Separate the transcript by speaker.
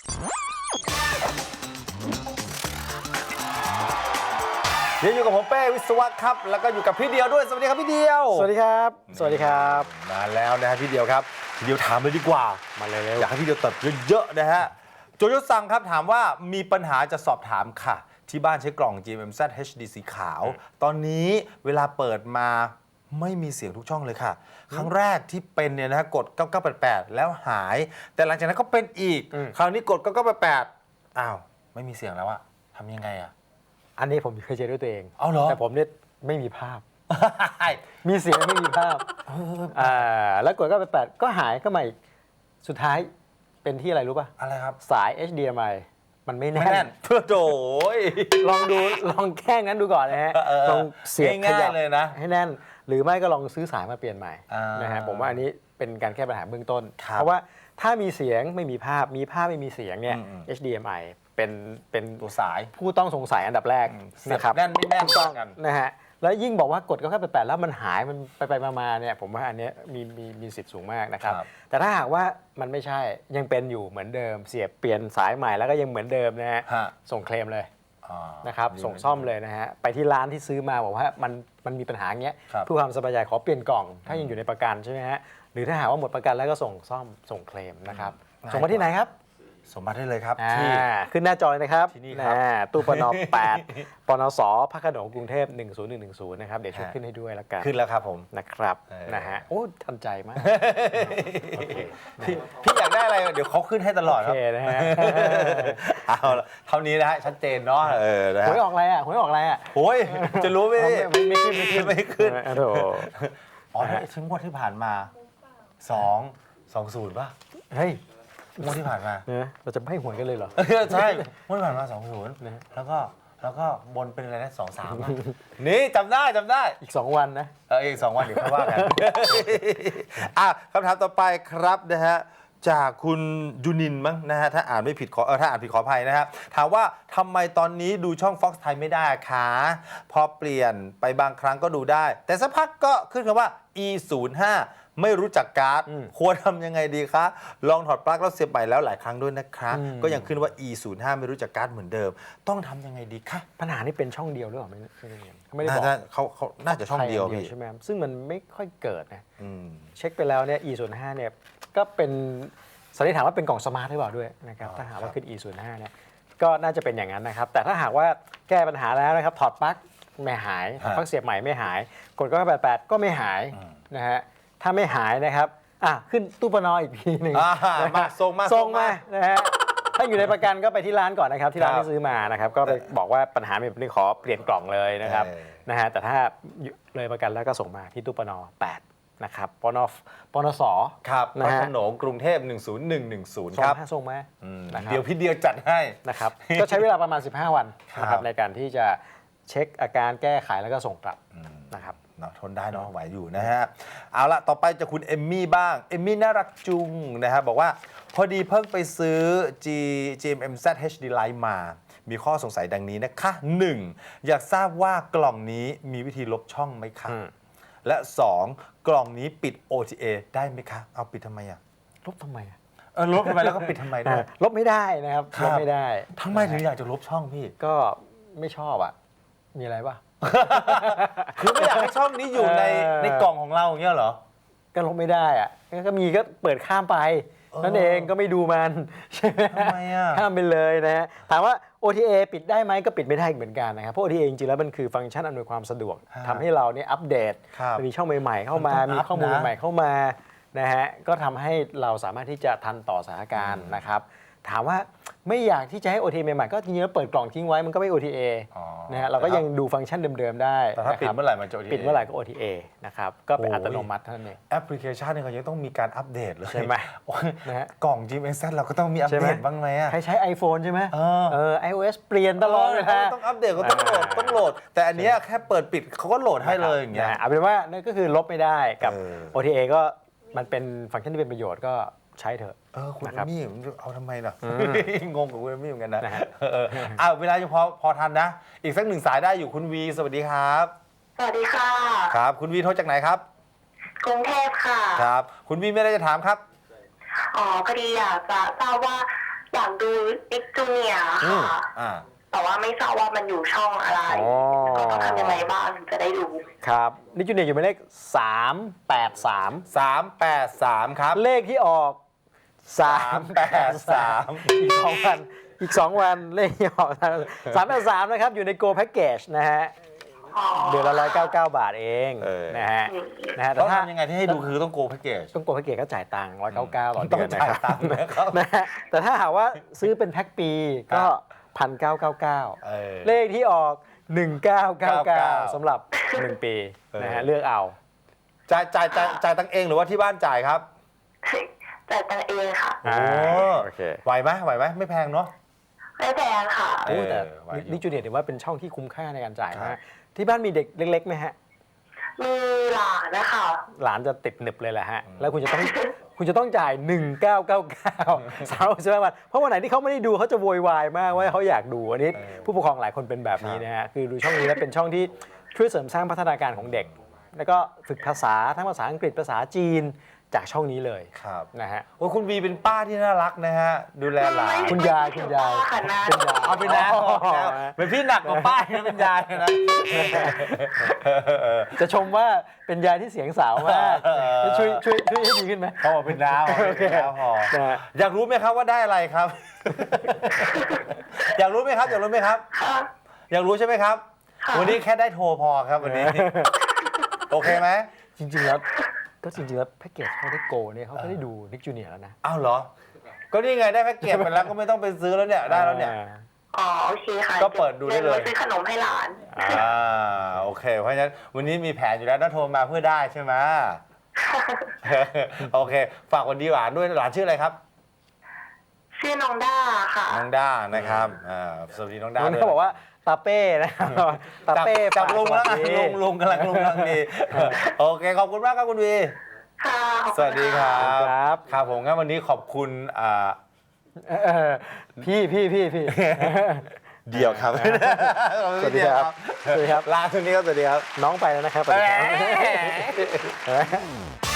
Speaker 1: เดี๋ยวอยู่กับผมเป้วิศวะครับแล้วก็อยู่กับพี่เดียวด้วยสวัสดีครับพี่เดียว
Speaker 2: สวัสดีครับสวัสดีครับ
Speaker 1: มาแล้วนะฮะพี่เดียวครับพี่เดียวถามเลยดีกว่า
Speaker 2: มาเร็ว
Speaker 1: อยากให้พี่เดียวตอบเยอะๆนะฮะโจโยซังครับถามว่ามีปัญหาจะสอบถามค่ะ ที่บ้านใช้กล่อง GMMZ HD สีขาว ตอนนี้เวลาเปิดมาไม่มีเสียงทุกช่องเลยค่ะ ครั้งแรกที่เป็นเนี่ยนะฮะกด 9988 แล้วหาย แต่หลังจากนั้นก็เป็นอีก คราวนี้กด 9988 อ้าว ไม่มีเสียงแล้วอะทำยังไงอะ
Speaker 2: อันนี้ผมเคยเจอด้วยตัวเอง
Speaker 1: เอาเหรอ
Speaker 2: แต่ผมเนี่ยไม่มีภาพ มีเสียงไม่มีภาพแล้วกดก็ไป8ก็หายก็มาอีกสุดท้ายเป็นที่อะไรรู้ป่ะ
Speaker 1: อะไรครับ
Speaker 2: สาย HDMI มันไม่
Speaker 1: ไม่
Speaker 2: แน่
Speaker 1: แน่
Speaker 2: น
Speaker 1: นเพื่อโดย
Speaker 2: ลองดูลองแค่นั้นดูก่อนนะฮะลองเสียบข
Speaker 1: ง่าย
Speaker 2: ยับ
Speaker 1: ๆเลยนะ
Speaker 2: ให้แน่น หรือไม่ก็ลองซื้อสายมาเปลี่ยนใหม่
Speaker 1: อ่าน
Speaker 2: นะฮะผมว่าอันนี้เป็นการแก้ปัญหาเบื้องต้น
Speaker 1: ครับ
Speaker 2: เพราะว่าถ้ามีเสียงไม่มีภาพมีภาพไม่มีเสียงเนี่ย HDMI เป็น
Speaker 1: ตัวสาย
Speaker 2: ผู้ต้องสงสัยอันดับแรก
Speaker 1: เสียบ
Speaker 2: นะครับ
Speaker 1: แน่นไม่แน่น
Speaker 2: ถูกต้อง
Speaker 1: กัน
Speaker 2: นะฮะแล้วยิ่งบอกว่ากดก็แค่8แล้วมันหายมันไปมาเนี่ยผมว่าอันเนี้ยมีสิทธิ์สูงมากนะครับ
Speaker 1: ครับ
Speaker 2: แต่ถ้าหากว่ามันไม่ใช่ยังเป็นอยู่เหมือนเดิม เสียบเปลี่ยนสายใหม่แล้วก็ยังเหมือนเดิมนะฮะ
Speaker 1: ฮะ
Speaker 2: ส่งเคลมเลย
Speaker 1: อ่า
Speaker 2: นะครับ
Speaker 1: ดี
Speaker 2: ส่งซ่อมเลยนะฮะไปที่ร้านที่ซื้อมาบอกว่ามันมีปัญหาอย่างเงี้ย
Speaker 1: ครับ
Speaker 2: เพื่อความสบายใจขอเปลี่ยนกล่อง ถ้ายังอยู่ในประกันใช่ไหมฮะหรือถ้าหากว่าหมดประกันแล้วก็ส่งซ่อมส่งเคลมนะครับส่งมาที่ไหนครับ
Speaker 1: สมบัติได้เลยครับ
Speaker 2: อ่า
Speaker 1: ที่
Speaker 2: ขึ้นหน้าจอเลยนะครับ
Speaker 1: ที่นี่ครับ
Speaker 2: ตู้ปน 8 ปนสพระโขนงกรุงเทพ10110นะครับเดี๋ยวช่วยขึ้นให้ด้วยละกัน
Speaker 1: ขึ้นแล้วครับผม
Speaker 2: นะครับ
Speaker 1: เออ
Speaker 2: นะฮะโอ้ทันใจมาก โอเค
Speaker 1: พี่อยากได้อะไรเดี๋ยวเขาขึ้นให้ตลอด
Speaker 2: โอ
Speaker 1: ครับ
Speaker 2: เคนะฮะ
Speaker 1: เอาละเท่านี้นะฮะชัดเจนเนาะนะ
Speaker 2: ห
Speaker 1: ฮะ
Speaker 2: วยออกอะไรอ่ะหวยออกอะไรอ่ะ
Speaker 1: โอ้ยจะรู้ไหม
Speaker 2: ไม่ขึ้นไม่ขึ้น
Speaker 1: ไม่ขึ้น
Speaker 2: โอ้โห
Speaker 1: อ๋อนี่ชิ้นงวดที่ผ่านมา220ป่ะ
Speaker 2: เฮ้ย
Speaker 1: งวดที่ผ่านมา
Speaker 2: เนี่ยเราจะไม่หวยกันเลยเหรอ
Speaker 1: ใช่งวดที่ผ่านมา20แล้วก็บนเป็นอะไรนะ23ป่ะนี่จำได้
Speaker 2: อีก 2 วันนะ
Speaker 1: อีก2 วันเดี๋ยวค่อยว่ากัน คำถามต่อไปครับนะฮะจากคุณยูนินมั้งนะฮะถ้าอ่านไม่ผิดถ้าอ่านผิดขออภัยนะฮะถามว่าทำไมตอนนี้ดูช่อง Fox ไทยไม่ได้คะพอเปลี่ยนไปบางครั้งก็ดูได้ แต่สักพักก็ขึ้นคำว่า E05 ไม่รู้จักการ์ดควรทำยังไงดีคะลองถอดปลั๊กแล้วเสียบใหม่แล้วหลายครั้งด้วยนะคะก็ยังขึ้นว่า E05 ไม่รู้จักการ์ดเหมือนเดิม ต้องทำยังไงดีคะ
Speaker 2: ปัญหานี่เป็นช่องเดียวหรือเปล่าไม่ได้บอก
Speaker 1: เขาน่าจะช่องเดียวพี่
Speaker 2: ใช่ไหมซึ่งมันไม่ค่อยเกิดนะ
Speaker 1: อืม
Speaker 2: เช็คไปแล้วเนี่ย E05 เนี่ยก็เป็นสันนิษฐานว่าเป็นกล่องสมาร์ทหรือเปล่าด้วยนะครับถ้าหากว่าขึ้น E05 เนี่ยก็น่าจะเป็นอย่างนั้นนะครับแต่ถ้าหากว่าแก้ปัญหาแล้วนะครับถอดปลั๊กไม่หายถอดปลั๊กเสียบใหม่ไม่หายกดก็88ก็ไม่หายนะฮะถ้าไม่หายนะครับขึ้นตู้ปนอีกทีหนึ่ง
Speaker 1: มาส่งมา
Speaker 2: นะฮะถ้าอยู่ในประกันก็ไปที่ร้านก่อนนะครับที่ร้านที่ซื้อมานะครับก็ไปบอกว่าปัญหาเป็นนี้ขอเปลี่ยนกล่องเลยนะครับนะฮะแต่ถ้าเลยประกันแล้วก็ส่งมาที่ตู้ปน8นะครับปนส
Speaker 1: ครับพ
Speaker 2: นะ
Speaker 1: ระ
Speaker 2: ฮะ
Speaker 1: โขนงกรุงเทพ10110 ครับ
Speaker 2: ส่งมานะครับ
Speaker 1: เดี๋ยวพี่เดียวจัดให้
Speaker 2: นะครับก็ใช้เวลาประมาณ 15 วันนะค
Speaker 1: ครั
Speaker 2: รับบ ในการที่จะเช็คอาการแก้ไขแล้วก็ส่งกลับนะครับ
Speaker 1: เนาะทนได้เนาะไหวอยู่นะฮะเอาละต่อไปจะคุณเอมมี่บ้างเอมมี่น่ารักจุงนะฮะบอกว่าพอดีเพิ่งไปซื้อ GMMZ HD Lite มา มีข้อสงสัยดังนี้นะคะ 1. อยากทราบว่ากล่องนี้มีวิธีลบช่องไหมคะ และ 2. กล่องนี้ปิด OTA ได้ไหมคะ เอาปิดทำไมอ่ะ
Speaker 2: ลบทำไมอ่ะ
Speaker 1: ลบทำไมแล้วก็ปิดทำไมด้วย
Speaker 2: ลบไม่ได้นะครับ
Speaker 1: ครับ
Speaker 2: ลบไม่ได้
Speaker 1: ทำไมถึงอยากจะลบช่องพี่
Speaker 2: ก็ไม่ชอบอ่ะมีอะไรป่ะ
Speaker 1: คือไม่อยากให้ช่องนี้อยู่ในกล่องของเราอย่างเงี้ยเหรอ
Speaker 2: ก็ลบไม่ได้อ่ะก็มีก็เปิดข้ามไปนั่นเองก็ไม่ดูมันใช่ไหม
Speaker 1: ทำไมอ่ะ
Speaker 2: ข้ามไปเลยนะฮะถามว่า OTA ปิดได้ไหมก็ปิดไม่ได้อีกเหมือนกันนะครับเพราะ OTA จริงๆแล้วมันคือฟังก์ชันอำนวยความสะดวกทำให้เราเนี่ยอัปเดต
Speaker 1: ครับ
Speaker 2: มีช่องใหม่ๆเข้ามา
Speaker 1: มันต้อง
Speaker 2: มีข้อมูล
Speaker 1: อัพนะ
Speaker 2: ใหม่ๆเข้ามานะฮะก็ทำให้เราสามารถที่จะทันต่อสถานการณ์นะครับถามว่าไม่อยากที่จะให้ OTA ใหม่ๆก็จริงๆแล้วเปิดกล่องทิ้งไว้มันก็ไม่ OTA
Speaker 1: อ๋อ
Speaker 2: นะฮะเราก็ยังดูฟังก์ชันเดิมๆได้
Speaker 1: แต่ถ้าปิด
Speaker 2: นะครับ
Speaker 1: เมื่อไหร่มันจะ OTA
Speaker 2: ปิดเมื่อไหร่ก็ OTA นะครับก็เป็น
Speaker 1: โอ้ย
Speaker 2: อัตโนมัติเท่านั้นเอง
Speaker 1: แอปพลิเคชันเนี่ยเขายังต้องมีการอัปเดตเลย
Speaker 2: ใช่ไหม
Speaker 1: โอ้ย
Speaker 2: นะฮะ
Speaker 1: กล่อง GMMZ เราก็ต้องมีอัป
Speaker 2: ใช่ไห
Speaker 1: เด
Speaker 2: ม
Speaker 1: ตบ้างไหมอ่ะ
Speaker 2: ใครใช้ iPhone ใช่ไหม iOS เปลี่ยนตลอดเวลา
Speaker 1: ต้องอัปเดตก็ต้องโหลด แต่อันเนี้ยแค่เปิดปิดเขาก็โหลดให้เลยอย่างเงี้ย
Speaker 2: เอาเป็นว่านั่นก็คือลบไม่ได้กับ OTA ก็มันเป็นฟังก์ชันที่เป็นประโยชน์ก็ใช้เถอะ
Speaker 1: คุณ
Speaker 2: นะครับ
Speaker 1: มี่เอาทำไมล่ะงงกับคุณเอมมี่เหมือนกันนะ
Speaker 2: นะฮะ
Speaker 1: เวลายังพอทันนะ อีกสักหนึ่งสายได้อยู่คุณวีสวัสดีครับ
Speaker 3: สวัสดีค่ะ
Speaker 1: ครับ คุณวีโทรจากไหนครับ
Speaker 3: กรุงเทพค่ะ
Speaker 1: ครับ คุณวีไม่ได้จะถามครับ
Speaker 3: อ๋อพอดีอยากจะทราบว่าอยากดูเอ็กจูเนียค่ะ
Speaker 1: อ่า
Speaker 3: แต่ว่าไม่ทราบว่ามันอยู่ช่องอะไร
Speaker 2: อ๋อ
Speaker 3: แล้วก็ต้องทำยังไงบ้างถึงจะได้ดู
Speaker 2: ครับนิจูเนียร์อยู่หมายเลข383
Speaker 1: 383 ครับ
Speaker 2: เลขที่ออก383
Speaker 1: 383
Speaker 2: อีก2 วันอีก 2 วันเลขที่ออก383นะครับอยู่ใน Go Package นะฮะ
Speaker 3: อ๋อ
Speaker 2: เดือนละ199 บาทเองนะฮะแต่
Speaker 1: ต้อง
Speaker 2: ถ้า
Speaker 1: ทำยังไงที่ให้ดูคือต้องโกแพ็กเกจ
Speaker 2: ต้อง Go Package ก็จ่ายตังค์199ต่อ
Speaker 1: ต้
Speaker 2: เดื
Speaker 1: อง
Speaker 2: อนนะ
Speaker 1: จ่าย
Speaker 2: ครับ
Speaker 1: ตังค์นะครับ
Speaker 2: นะฮะแต่ถ้าหากว่าซื้อเป็นแพ็คปีก็ 1,999
Speaker 1: เออ
Speaker 2: เลขที่ออก 1999สำหรับ 1 ปีนะฮะเลือกเอา
Speaker 1: จ่ายตังค์เองหรือว่าที่บ้านจ่ายครับ
Speaker 3: จ่ายตังค์เองค่ะ
Speaker 1: โอ้
Speaker 2: โอเค
Speaker 1: ไหวไหมไม่แพงเนาะ
Speaker 3: ไม่แพงค่ะ
Speaker 2: โอ้แต่
Speaker 1: ไหวอยู่
Speaker 2: นิจูเนียร์ถือว่าเป็นช่องที่คุ้มค่าในการจ่าย
Speaker 1: ครั
Speaker 2: มาก
Speaker 1: บ
Speaker 2: ที่บ้านมีเด็กเล็กๆไหมฮะ
Speaker 3: มีหลานนะคะ
Speaker 2: หลานจะติดหนึบเลยแหละฮะ แล้วคุณจะต้องจ่าย 1999 35 วันเพราะวันไหนที่เขาไม่ได้ดูเขาจะโวยวายมากว่าเขาอยากดูอันนี้ผู้ปกครองหลายคนเป็นแบบนี้นะฮะคือดูช่องนี้แล้วเป็นช่องที่ช่วยเสริมสร้างพัฒนาการของเด็ก แล้วก็ฝึกภาษาทั้งภาษาอังกฤษภาษาจีนจากช่องนี้เลย
Speaker 1: ครับ
Speaker 2: นะฮะ
Speaker 1: โอ้คุณวีเป็นป้าที่น่ารักนะฮะ ดูแลหลาน
Speaker 2: คุณยาย
Speaker 3: ค่ะนะ
Speaker 1: เอาไปนะเป็นพี่หนักกว่าป้านะเป็นยายนะ
Speaker 2: จะชมว่าเป็นยายที่เสียงสาวมากช่วยให้ดีขึ้นไหม
Speaker 1: เขาบอกเป็นน้าพอ
Speaker 2: โอเค
Speaker 1: เป็นน้าพอ
Speaker 2: นะฮะ
Speaker 1: อยากรู้ไหมครับว่าได้อะไรครับ อยากรู้ไหมครับ
Speaker 3: ค่ะ
Speaker 1: อยากรู้ใช่ไหมครับ
Speaker 3: ค่ะ
Speaker 1: วันนี้แค่ได้โทรพอครับวันนี้ โอเคไหม
Speaker 2: จริงๆแล้วแพ็กเกจเขาได้โกเนี่ยเขาก็ได้ดูนิกจูเนียร์แล้วนะ
Speaker 1: อ้าวเหรอ ก็นี่ไงได้แพ็กเกจไปแล้วก็ไม่ต้องไปซื้อแล้วเนี่ยได้แล้วเนี่ย
Speaker 3: อ๋อโอเคค่ะ
Speaker 1: ก็เปิดดูได้เลย
Speaker 3: ดี๋วซื้อขนมให้หลาน
Speaker 1: โอเค เพราะฉะนั้นวันนี้มีแผนอยู่แล้วนะโทรมาเพื่อได้ใช่ไหม โอเค ฝากวันดีหวานด้วยหลานชื่ออะไรครับ
Speaker 3: ชื่อน้องด้าค่ะ
Speaker 1: น้องด้านะครับสวัสดีน้องด้า
Speaker 2: วัน
Speaker 1: ด้
Speaker 2: นี้
Speaker 1: วย
Speaker 2: เขาบอกว่าตาเป้นะครับตาเป้
Speaker 1: จับลุงแล้ว
Speaker 2: ฝากสสดี
Speaker 1: ลุงกำลังดีโอเคขอบคุณมากครับคุณวี
Speaker 3: ค่ะขอบคุณ
Speaker 1: สวัสดีครั
Speaker 2: ครับ
Speaker 1: ครับผมงั้นวันนี้ขอบคุณ
Speaker 2: เออพี่
Speaker 1: เดี่ยวครับ
Speaker 2: สวัสดีครับสวัสดีครับ
Speaker 1: ลาทุนนี้ครับสวัสดีครับ
Speaker 2: น้องไปแล้วนะครับสวัสดีครับ
Speaker 1: แหม